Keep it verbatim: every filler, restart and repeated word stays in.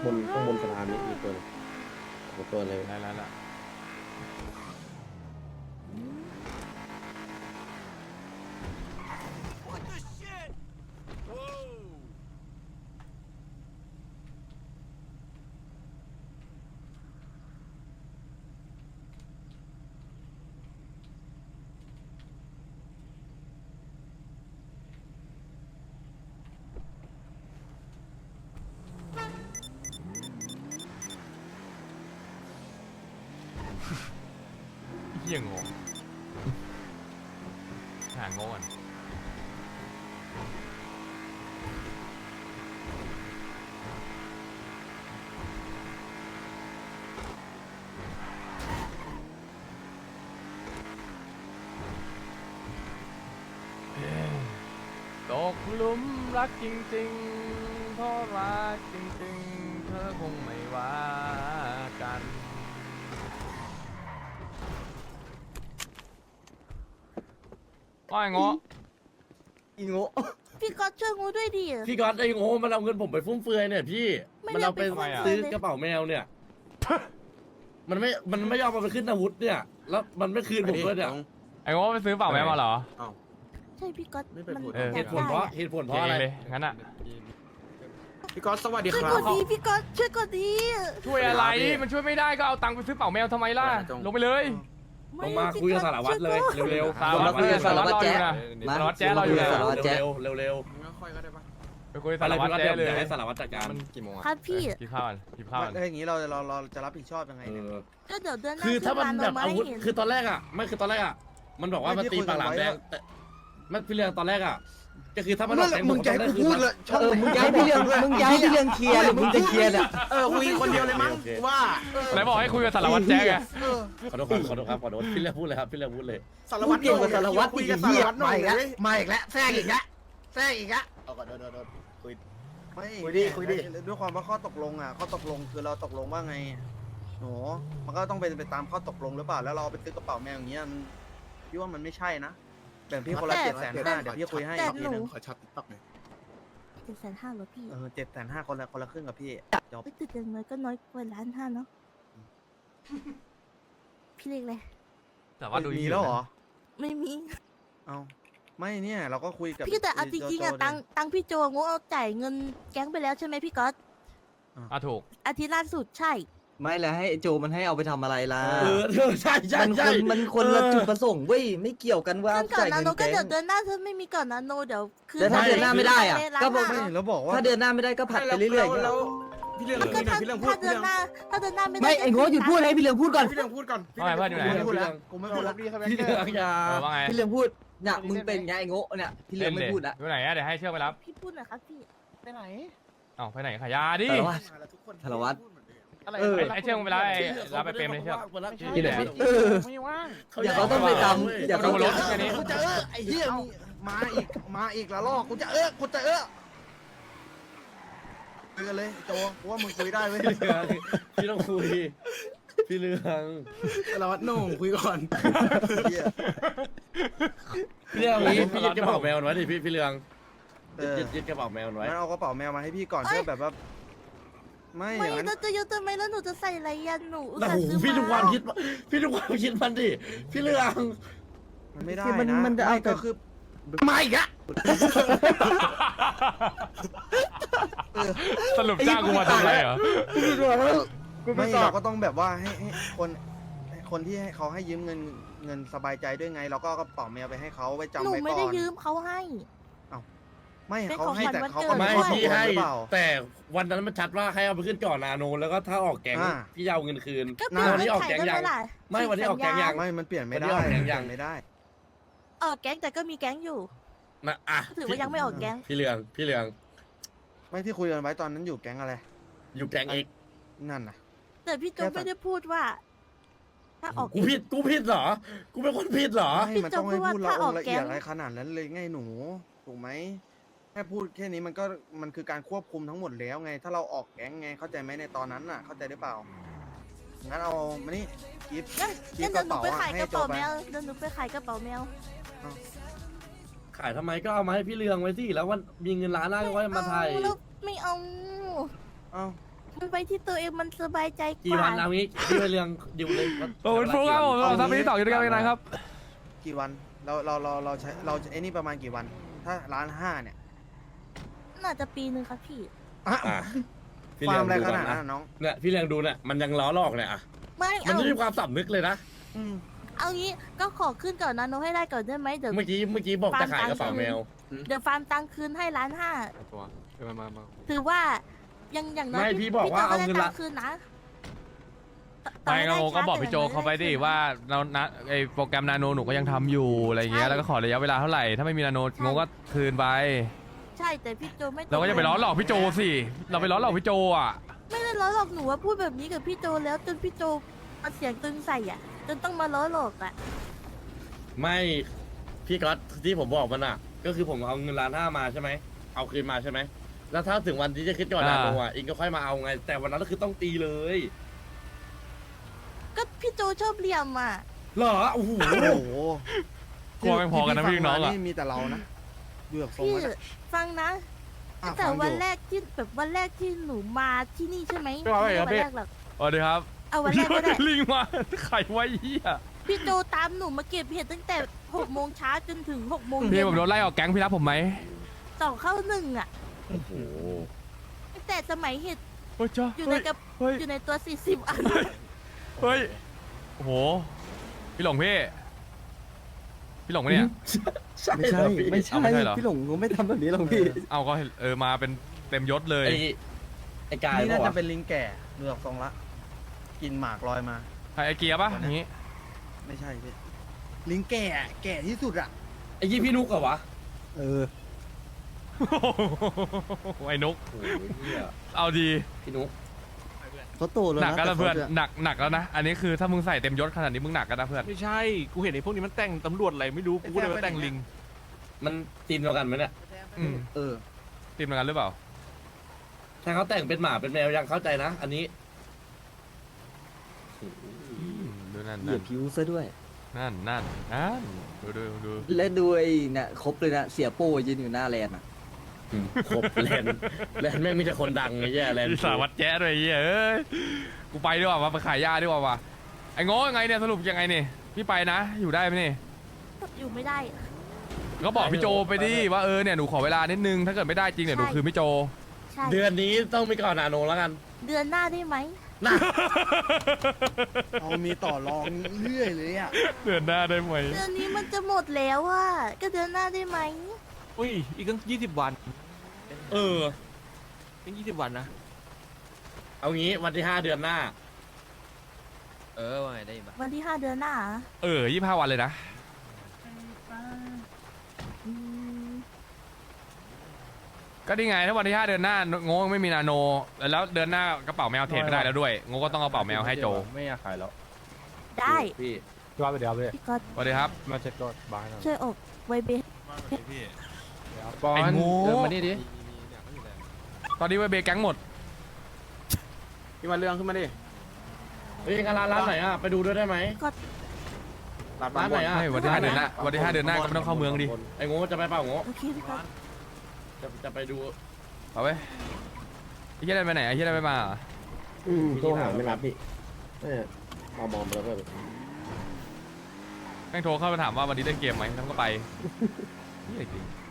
บนข้างบนสะพานนี้มีตัวหนึ่งสองตัวเลยได้แล้วล่ะเหี้ยงงหางงก่อนตกหลุมรักจริงๆเพราะรักจริงๆเธอคงไม่ว่ากันว่าไงเงาะอีโง่พี่ก๊อตช่วยงูด้วยดิพี่ก๊อตไอ้โง่มันเอาเงินผมไปฟุ่มเฟือยเนี่ยพี่ไม่มันเอาไปได้ไปฟุ่มเฟือยซื้อกระเป๋าแมวเนี่ย มันไม่มันไม่ยอมเอาไปขึ้นอาวุธเนี่ย แล้วมันไม่คืนผมด้วยเนี่ยไอ้เงาะไปซื้อเปล่าแม่มาเหรอใช่พี่ก๊อตไม่ไปมันพูดเออเหตุผลเพราะเหตุผลเพราะอะไรเลยงั้นอ่ะพี่ก๊อตสวัสดีช่วยครักบดดีพี่ก๊อตช่วยกดดีช่วยอะไรมันช่วยไม่ได้ก็เอาตังค์ไปซื้อเป่าแมวทำไมล่ะลงไปเลยลงมาคุยกับสารวัตรเลยเร็วๆสารวัตรคุยกับสารวัตรรออยู่นะสารวัตรแจ๊รออยู่นะสารวัตรแจ๊เร็วๆเร็วค่อยก็ได้ปะไปคุยๆสารวัตรอะไรแจ๊พี่เลก๊อตยเดี๋ยวให้สารวัตรจัดการมันกี่โมงอ่ะครับพี่กินข้าวก่อนกินข้าวก่อนถ้าอย่างนี้เราเราเราจะรับผิดชอบยังไงเอเนี่ยอก็เดี๋ยวเดือนหน้าคือถ้ามันแบบซื้อาวุธร้นเรคือตอนแรกอ่ะไม่คือตอนแรกอ่ะมันบอกว่ามันตีปากหลามแดงแต่ไม่พี่เรืองตอนแรกอ่ะก็คือถ้ามันออกแดงมึงจะให้กูพูดเลยช่องเออ มึงย้ายพี่เรื่องมึงย้ายพี่เรื่องเคลียร์หรือมึงจะเคลียร์เนี่ยเออคุยคนเดียวเลยมั้งว่าไหนบอกให้คุยกับสารวัตรแจ๊ไงเออขอโทษครับขอโทษครับขอโทษพี่เรืองพูดเลยครับพี่เรืองพูดเลยสารวัตรเก่งกว่าสารวัตรคุยอีกกับสาเหี้รยวัตรหน่มาอยอีกแล้วเลยมาอีกแล้วแทรกอีกแล้วแทรกอีกแล้วเอาก่อนโดนโดนโดนคุยไม่คุยดิคุยดิด้วยความว่าข้อตกลงอ่ะข้อตกลงคือเราตกลงว่าไงโหมันก็ต้องเป็นไปตามข้อตกลงหรือเปล่าแล้วเราไปซื้อกระเป๋าแมวอย่างเงี้ยมันพี่ว่ามันไม่ใช่นะแบ่งพี่คนละเจ็ดแสนห้าเดี๋ยวพี่คุยให้แต่อีกหทีนูนึงขอชัดติ๊กต็อกหน่อยเจ็ดแสนห้าเหรอพี่เออเจ็ดแสนห้าคนละคนละครึ่งกับพี่จบไม่ติดอย่างน้อยก็น้อยกว่าล้านห้าเนาะพี่เล็กเลยแต่ว่าดูมีแล้วเหรอไม่มีเอาไม่เนี่ยเราก็คุยกับพี่แต่เอาจริงๆอะโโตังตังพี่โจงูเอาจ่ายเงินแก๊งไปแล้วใช่ไหมพี่ก๊อตอ่ะถูกอาทิตย์ล่าสุดใช่ไม่แล้วให้ไอ้โจมันให้เอาไปทำอะไรล่ะเออเออใช่ใช่มันคใช่นมันคนละจุดประสงค์เว้ยไม่เกี่ยวกันว่าเงินก่อนจ่ายนาเงินโนก็แก๊งเดี๋ยวเดือนหน้าถ้าไม่มีก่อนนาโนเดี๋ยวคืนแล้วถ้าเดือนหน้าไม่ได้อะก็บอกไม่แล้วบอกว่าถ้าเดือนหน้าไม่ได้ก็ผัดไปเรื่อยๆแล้วพี่เรื่องแล้วก็พี่ถ้าพี่เรื่องพูถ้าดเดือนหน้าถ้าเดือนหน้าไม่ได้ไม่ไอ้โง่หยุดพูดให้พี่เรื่องพูดก่อนพี่เรื่องพูดก่อนว่าไงเพื่อนอยู่ไหนไม่พูดแล้วกูไม่พูดแล้วพี่เรืองอยาเออว่าไงพี่เรื่องพูดเนี่ยมึงเป็นไงไอ้โง่เนี่ยพี่เรื่องไม่พูดละอยู่ไหนอะเดี๋ยวให้เชือกไปรับพี่พูดหน่อยครับพี่ไปไหนเอ้าไปไหนขายยาดิสารวัตร สารวัตรอะไรเออไอ้เชือกมึงไปรับไอ้รับไปเปรมเลยเชือกที่ไหนเออไม่ว่างอย่าเขาต้องไปตามอย่าดูเขารถแค่นี้กูจะเออไอ้เหี้ยมึงมาอีกมาอีกละลอกกูจะเออกูจะเออคุยกันเลยโจกูว่ามึงคุยได้เว้ยพี่เรืองพี่ต้องคุยพี่เรืองสารวัตรโหน่งคุยก่อนเหี้ยพี่เรืองนี้พี่ยึดกระเป๋าแมวไว้ดิพี่พี่เรืองเออยึดยึดกระเป๋าแมวไว้งั้นเอากระเป๋าแมวมาให้พี่ก่อนเพื่อแบบว่าไม่อไม่ย่างนั้นเราจะยกทำไมแล้วหนูจะใส่อะไรยันหนูอุตโอ้ส่าห์โหซื้อพี่ทุกวันมาคิดว่าพี่ทุกวันคิดมันดิพี่เรืองมันไม่ได้คือมันนะมันจะเอาไม่แต่ก็คือมาอีกอะสรุปจ้างกูมาทำอะไรเหรอไม่เราก็ต้องแบบว่าให้ให้คนให้คนที่ให้เขาให้ยืมเงินเงินสบายใจด้วยไง เราก็เอากระเป๋าแมวไปให้เขาไว้จำหนูไว้ไม่ก่ได้อนยืมเขาให้ไม่เป็นเขาของให้ขวัญแต่วันเขาเกิก็ดไม่ไม่ได้พี่บอกให้หรือเปล่าแต่วันนั้นมันชัดว่าให้เอาไปขึ้นก่อนนาโนแล้วก็ถ้าออกแก๊งอ่าพี่จะเอาเงินคืนก็เปลี่ยนวันนี้เงื่อออกนไขแก๊งได้ยัไหมงล่ะไม่วันนี้ออกแก๊งยังไม่มันเปลี่ยนไม่ได้วันนี้ออกแก๊งยังไม่ได้ออกแก๊งแต่ก็มีแก๊งอยู่นะอ่ะถือว่ายังไม่ออกแก๊งพี่เรืองพี่เรืองไม่ที่คุยกันไว้ตอนนั้นอยู่แก๊งอะไรอยู่แก๊งเอกนั่นน่ะแต่พี่โจไม่ได้พูดว่า ถ้าออกกูผิดกูผิดเหรอกูเป็นคนผิดเหรอไม่มันต้องให้พูดพี่ละโจพูดว่าถ้าอออง กละเอียดแก๊งอะไรขนาดนั้นเลยไงหนูถูกไหมแค่พูดแค่นี้มันก็มันคือการควบคุมทั้งหมดแล้วไง ถ้าเราออกแก๊งไงเข้าใจไหมในตอนนั้นน่ะ เข้าใจหรือเปล่างั้นเอามานี่กิฟต์งั้นกิงั้ฟนต์กเดี๋ยวหนูระเป๋าไปอะขายให้กระโจเป๋าไปแมวเดี๋ยวหนูไปขายกระเป๋าแมวขายทำไมก็เอามาให้พี่เรืองไว้สิแล้ววันมีเงินล้านหน้าก็ไว้มาไทยเอาแล้วไม่เอาเอ้ามันไปที่ตัวเองมันสบายใจกกี่ว่าวันเอางี้พี่เรื่องดิวเลยโอ้ยฟุกครับผมทำไปที่ต่ออยู่ด้วยกันเป็นไงครับกี่วันเราเราเราเราใช้เราไอ้นี่ประมาณกี่วัน ถ้าล้านห้าเนี่ยน่าจะปีหนึ่งครับพี่อ่ะอ่ะพี่ฟาเลี้ร์ยมงอะไรดูขก่อนนาดนะนั้นอะน้องเนี่ยพี่เลี้ยงดูเนี่ยมันยังล้อลอกเนี่ยอ่ะไม่มันเอาไม่มีความสำนึกเลยนะอืมเอางี้ก็ขอขึ้นก่อนนะโนให้ได้ก่อนได้ไหมเดี๋ยวเมื่อกี้เมื่อกี้บอกจะขายกระเป๋าแมวเดี๋ยวฟาร์มตังค์คืนให้ล้านห้าตัวมามามาถือว่ายังอย่างน้อยไม่พี่บอกว่าเอาเงินละพี่โจก็ได้ตัค์คืนนะไปโงก็บอกพี่โจเขาไปดิว่าเรานะไอโปรแกรมนาโนหนูก็ยังทำอยู่อะไรเงี้ยแล้วก็ขอระยะเวลาเท่าไหร่ถ้าไม่มีนาโนโงก็คืนไปใช่แต่พี่โจไม่เราก็จะไปล้อหลอกพี่โจสิเราไปล้อหลอกพี่โจอ่ะไม่ได้ล้อหลอกหนูว่าพูดแบบนี้กับพี่โจแล้วจนพี่โจเอาเสียงตึงใส่อ่ะจนต้องมาล้อหลอกอ่ะไม่พี่ก๊อตที่ผมบอกมันอ่ะ ก็คือผมเอาเงินล้านห้ามาใช่ไหมเอาคืนมาใช่ไหมแล้วถ้าถึงวันที่จะคิดก่อนนาโนอ่ะอิงก็ค่อยมาเอาไง แต่วันนั้นก็คือต้องตีเลยก็พี่โจชอบเหลี่ยมอ่ะเหรอโอ้โหโอ้โหกลัวไม่พอกันนะพี่น้องอ่ะที่มีแต่เรานะดูจากทรงพี่แล้วนะฟังนะอ่ะแต่ฟังวันอยู่แรกที่แบบวันแรกที่หนูมาที่นี่ใช่ไหมไม่ว่าไงครับวันพี่แรกหรอกสวัสดีครับเอาวันแรกก็ได้ลิงมาไข่ไว้เหี้ยพี่โจตามหนูมาเก็บเห็ดตั้งแต่หกโมงเช้าจนถึงหกโมงพี่เย็นผมโดนไล่ออกแก๊งพี่รับผมไหมต่อเข้าหนึ่งอ่ะโอ้โหตั้งแต่สมัยเห็ดเฮ้ยจ้าอยู่ในกระเฮ้ยอยู่ในตัวสี่สิบอันเฮ้ยโอ้โหพี่หลงพี่พี่หลงปะเนี่ยไม่ใช่ ไม่ใช่เอาไม่ใช่เหรอพี่หลงก็ไม่ทำแบบนี้หรอกพี่เอาก็เออมาเป็นเต็มยศเลยไอ้ไอ้กายนี่บอน่าก จะว่าเป็นลิงแก่ดูจากทรงละ กินหมากลอยมาใครไอเกียร์ปะอย่างงี้ไม่ใช่พี่ลิงแก่อะแก่ที่สุดอ่ะไอ้ยี่พี่นุกเหรอวะเออไอ้นุกโอ้โหเหี้ยเอาดีพี่นุกเขาโตแล้วหนักนะกันแต่นะเพื่อนขาจะหนักหนักแล้วนะอันนี้คือถ้ามึงใส่เต็มยศขนาดนี้มึงหนักกันนะเพื่อนไม่ใช่ กูเห็นไอ้พวกนี้มันแต่งตำรวจอะไรไม่รู้ กูก็เลยมาแต่งลิงมันทีมเดียวกันไหมเนี่ยอืมเออทีมเหมือนกันหรือเปล่าถ้าเขาแต่งเป็นหมาเป็นแมวยังเข้าใจนะ อันนี้ดูนั่นเหยีนั่ยนบผิวซะด้วยนั่นนั่นนั่นดูดูดูและดูไอ้เนี่ยครบเลยนะ เสียโป้ยืนอยู่หน้าแลนด์อ่ะครบแลนด์แลนด์แม่งมีแต่คนดังไอ้แย่แลนด์มีสารวัตรแจ๊ดด้วยไอ้เหี้ยเอ้ยกูไปดีกว่ามาไปขายยาดีกว่าว่ะไอ้โง่ยังไงเนี่ยสรุปยังไงเนี่ยพี่ไปนะ อยู่ได้ไหมนี่อยู่ไม่ได้ก็บอกพี่โจไปดิว่าเออเนี่ยหนูขอเวลานิดนึงถ้าเกิดไม่ได้จริงเนี่ยหนูคืนพี่โจใช่เดือนนี้ต้องมีก่อนนาโนแล้วกันเดือนหน้าได้ไหมนะเอามีต่อรองเรื่อยเลยอ่ะเดือนหน้าได้ไหมเดือนนี้มันจะหมดแล้วอ่ะก็เดือนหน้าได้ไหมอุ้ย อีกตั้งยี่สิบวันเออตั้งยี่สิบวันนะเอางี้วันที่ห้าเดือนหน้าเออว่าไงได้ปะวันที่ห้าเดือนหน้าเหรอเออยี่ห้าวันเลยนะอืมก็นี่ไงถ้าวันที่ห้าเดือนหน้าโง่ไม่มีนาโน แล้วเดือนหน้ากระเป๋าแมวเทรดไม่ได้แล้วด้วยโง่ก็ต้องเอากระเป๋าแมวให้โจไม่อยากขายแล้วได้พี่ว่าไปเดี๋ยวไปพี่ก๊อตสวัสดีครับมาเช็ดรถบ้านช่วยอบไวเบสบอลไอ้โง่เดินมานี่ดิตอนนี้ไวเบแก๊งหมดพี่มาเรื่องขึ้นมาดิเฮ้ยงานร้านร้านไหนอ่ะ ไปดูด้วยได้ไหม ร้านไหนอ่ะไม่วันที่ห้าเดือนหน้าวันที่ห้าเดือนหน้าก็ไม่ต้องเข้าเมืองดิไอ้โง่จะไปเปล่าโง่โอเคพี่ก๊อตจะจะไปดูเอาไว้ไอ้เหี้ยได้ไปไหนไอ้เหี้ยได้ไปมาเหรออืมโทรหาไม่รับพี่เอามองไปแล้วก็แม่งโทรเข้ามาถามว่าวันนี้เล่นเกมไหมทั้งก็ไปเหี้ยจริง